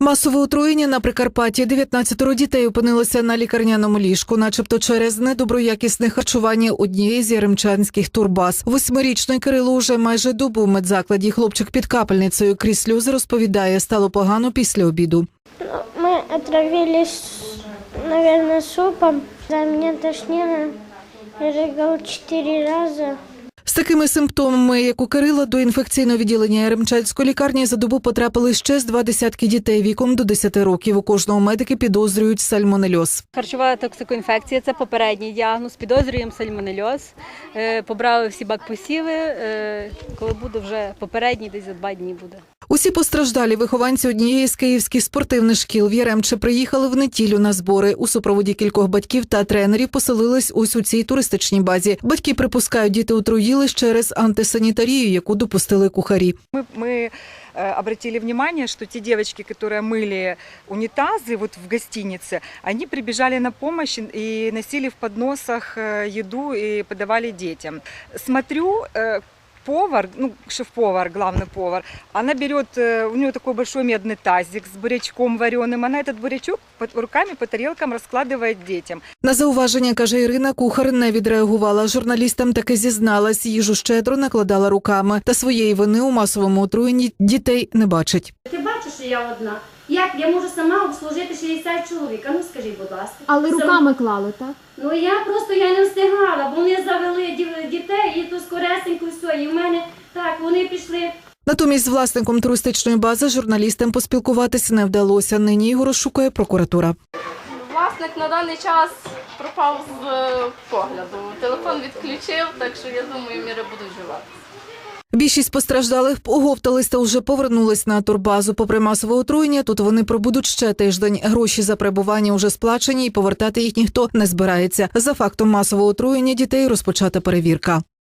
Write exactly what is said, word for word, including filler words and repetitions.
Масове отруєння на Прикарпатті. дев'ятнадцятеро дітей опинилися на лікарняному ліжку, начебто через недоброякісне харчування однієї з яремчанських турбаз. Восьмирічний Кирило уже майже добу в медзакладі. Хлопчик під капельницею крізь сльози розповідає, стало погано після обіду. Мы отравились, наверное, супом. Да, меня тошнило. Я рыгал четыре раза. З такими симптомами, як у Кирила, до інфекційного відділення Яремчанської лікарні за добу потрапили ще з два десятки дітей віком до десяти років. У кожного медики підозрюють сальмонельоз. Харчова токсикоінфекція – це попередній діагноз. Підозрюємо сальмонельоз. Е, Побрали всі бакпосіви. Е, Коли буде вже попередній, десь за два дні буде. Усі постраждалі вихованці однієї з київських спортивних шкіл в Яремче приїхали в неділю на збори. У супроводі кількох батьків та тренерів поселились ось у цій туристичній базі. Батьки припускають, діти отруїлись через антисанітарію, яку допустили кухарі. Мы, мы э, обратили внимание, что те девочки, которые мыли унитазы вот в гостинице, они прибежали на помощь и носили в подносах э, еду и подавали детям. Смотрю, э, повар, ну, шеф-повар, главный повар, она берет, у нее такой большой медный тазик с бурячком вареным, она этот бурячок руками по тарелкам розкладає дітям. На зауваження, каже Ірина, кухар не відреагувала. Журналістам таки зізналась, їжу щедро накладала руками. Та своєї вини у масовому отруєнні дітей не бачить. Ти бачиш, що я одна? Як я можу сама обслужити шістдесят чоловік? А ну скажіть, будь ласка. Але руками клали, так? Ну я просто я не встигала, бо вони завели дів- дітей і то скоресенько все. І в мене так, вони пішли. Натомість з власником туристичної бази журналістам поспілкуватися не вдалося. Нині його розшукує прокуратура. Власник на даний час пропав з е, погляду. Телефон відключив, так що я думаю, міри будуть вживати. Більшість постраждалих оговтались та вже повернулись на турбазу. Попри масове отруєння, тут вони пробудуть ще тиждень. Гроші за перебування вже сплачені і повертати їх ніхто не збирається. За фактом масового отруєння дітей розпочата перевірка.